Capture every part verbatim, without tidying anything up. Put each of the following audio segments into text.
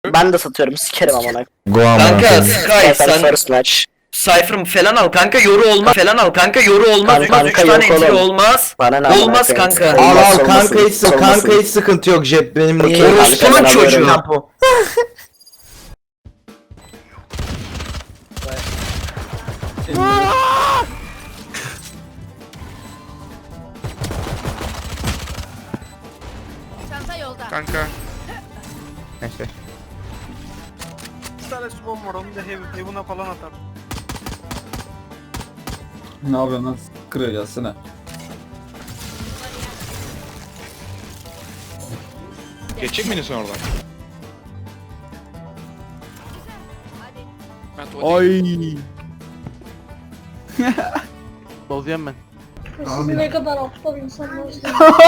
Ben de satıyorum, sikerim amına. Kanka Sky sen First match. Cypher falan al kanka, yoru olmaz falan al kanka, yoru olmaz, Kanka, olmaz üç kanka, tane yok entry oğlum. olmaz. Bana ne amına Olmaz koyayım? kanka. Al Olmaz, al kanka olmasın, hiç, kanka olmasın. hiç sıkıntı yok, Jeb benim niye Okey, yiyorsun? kanka, Orospu'nun ben çocuğu. alıyorum. Tempo. Çanta yolda. Kanka. Neyse. Bir tane smoke var, onu da hev- heaven'a falan atar. Ne yapıyorsun lan? Kırıyor gelsene. Geçecek miydin sen oradan? Ben tuvalete Ay. Bozuyorum ben. Siz ne kadar aptal insanlarsınız.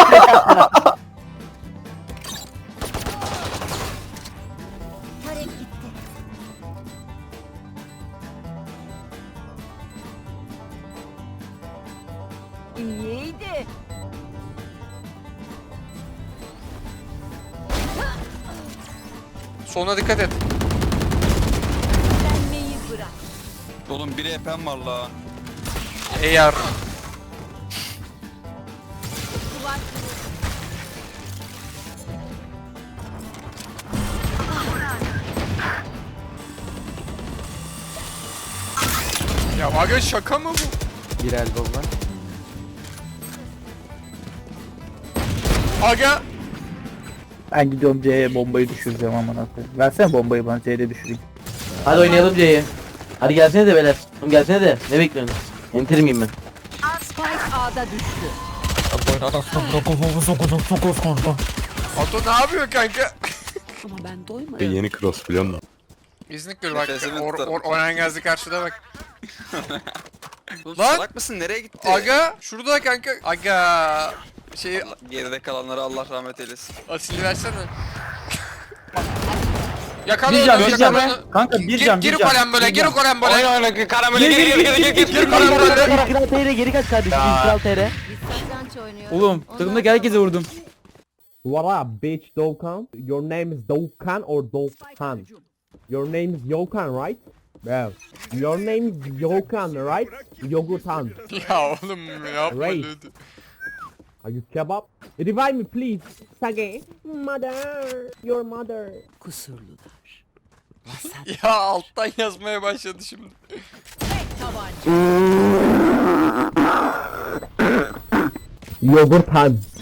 Tarek gitti. İyiydi. Soluna dikkat et. Denmeyi bırak. Oğlum biri epem var la. Eğer. Duvar Ya aga şaka mı bu? Bir elbow var. Aga. Ben gidiyorum C'ye bombayı düşüreceğim amına koyayım. Versene bombayı bana C'de düşüreyim. Hadi oynayalım C'yi. Hadi gelsene de beyler. Oğlum gelsene de. Ne bekliyorsun? Enter miyim ben? Spike A'da düştü. Ato ne yapıyor kanka? Ama ben doymadım. Yeni cross biliyor musun? İznik bak. Nefesimi Or, tutarım. or, Orhan Gazi karşıda bak. Oğlum Lan! salak mısın? Nereye gitti? Aga. Şurada kanka. Aga. Şey Allah- geride kalanlara Allah rahmet eylesin. asili versene. Yakala Bir onu, can, bir can. yakala onu. Kanka bir Gir, can, bir gir can. kolen böyle, Bir gir can. kolen böyle. Oyna oyna karamele gir gir gir gir gir gir. Gir kolen böyle. Kral T R geri kaç kardeşim. Kral T R. Biz satranç oynuyoruz. Oğlum Onlar takımdaki herkese vurdum. What up, bitch, Dokkan? Your name is Dokkan or Dokkan? Your name is Yokan, right? Well, your name is Yokan, right? Yogutan. Ya oğlum yapma Right. lütfen. Are you kebab? Revive me, please. Sage. Mother. Your mother. kusurlular. Ya alttan yazmaya başladı şimdi. Tabanca. Yogurtan.